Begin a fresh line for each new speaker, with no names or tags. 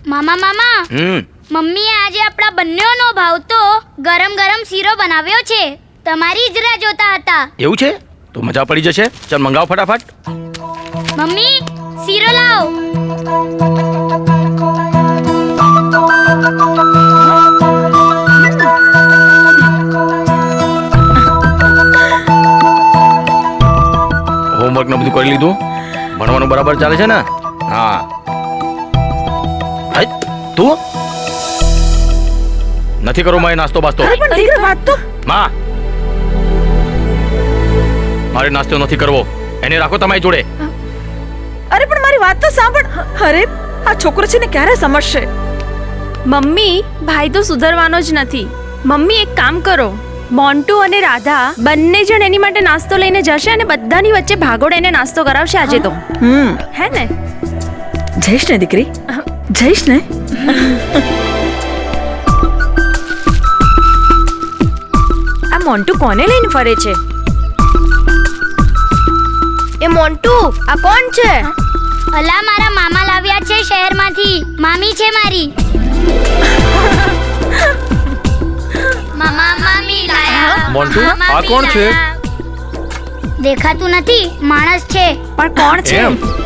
મામા મમ્મીએ આજે આપણા બંનેનો ભાવતો ગરમ ગરમ શીરો બનાવ્યો છે. તમારી જ રાહ જોતા હતા.
એવું છે? તો મજા પડી જશે. ચાલ મંગાવ ફટાફટ.
મમ્મી શીરો લાવ.
હોમવર્ક ને બધું કરી લીધું? ભણવાનું બરાબર ચાલે છે ને? હા. તું નથી કરો મારે નાસ્તો બાસ્તો. માં મારે નાસ્તો નથી કરવો. એને રાખો તમારી જોડે.
અરે પણ મારી વાત તો સાંભળ. અરે આ છોકરો છે ને ક્યારે સમજશે?
મમ્મી ભાઈ તો સુધરવાનો જ નથી. મમ્મી એક કામ કરો, મોન્ટુ અને રાધા બંને જણ એની માટે નાસ્તો લઈને જશે અને બધાની વચ્ચે ભાગોળ એને નાસ્તો કરાવશે આજે તો. હે ને?
જઈશ ને દીકરી, જઈશ ને.
આ મોન્ટુ કોને લઈને ફરે છે?
એ મોન્ટુ આ કોણ છે? અલા મારા મામા લાવ્યા છે શહેરમાંથી. મામી છે મારી. મામા મામી લાયા.
મોન્ટુ આ કોણ છે?
દેખાતું નથી, માણસ છે.
પણ કોણ છે?